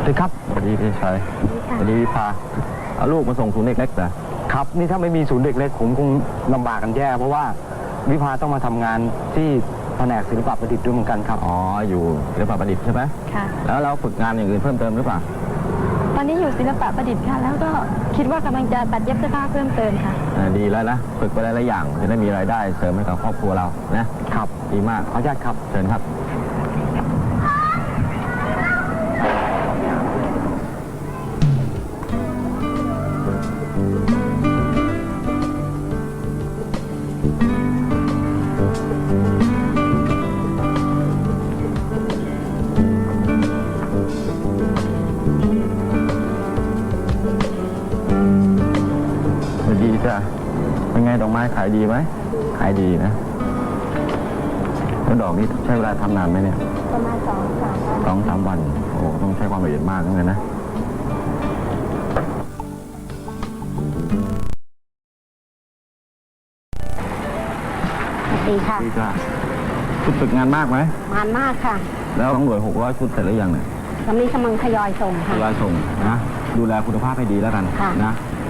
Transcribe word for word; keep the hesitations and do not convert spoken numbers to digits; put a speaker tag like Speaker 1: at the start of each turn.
Speaker 1: สวัสดีครับ
Speaker 2: สวัสดีพี่ชัยสวัสดีวิภาเอาลูกมาส่งศูนย์เด็กเล็กเหรอ
Speaker 1: ครับนี่ถ้าไม่มีศูนย์เด็กเล็กผมคงลำบากกันแย่เพราะว่าวิภาต้องมาทำงานที่แผนกศิลปะประดิษฐ์ด้วยเหมือนกันครับ
Speaker 2: อ๋ออยู่ศิลปะประดิษฐ์ใช่ไหม
Speaker 3: ค่ะ
Speaker 2: แล้วเราฝึกงานอย่างอื่นเพิ่มเติมหรือเปล่า
Speaker 3: ตอนนี้อยู่ศิลปะประดิษฐ์ค่ะแล้วก็คิดว่ากำลังจะตัดเย็บเสื้อผ้าเพิ่มเติมค่ะ
Speaker 2: ดีแล้วนะฝึกไปหลายๆอย่างจะได้มีรายได้เสริมให้กับครอบครัวเรานะครับดีมาก
Speaker 1: ขออนุญาตครับ
Speaker 2: เชิญครับดีจ้ะเป็นไงดอกไม้ขายดีไหมขายดีนะแล้วดอกนี้ใช้เวลาทำนานไหมเนี่ย
Speaker 3: ประมาณสองสามวัน
Speaker 2: สองสามวันโอ้ต้องใช้ความละเอียดมากเหมือนกันนะ
Speaker 3: สวัสดีค่ะ
Speaker 2: ดีจ้ะชุดฝึกงานมากไหม
Speaker 3: งานมากค่ะ
Speaker 2: แล้วต้องหน่วยหกร้อยชุดเสร็จหรือยังเนี่ย
Speaker 3: กำลังกำลังทยอยส่งค่ะ
Speaker 2: ทยอยส่งนะดูแลคุณภาพให้ดีแล้วกันนะ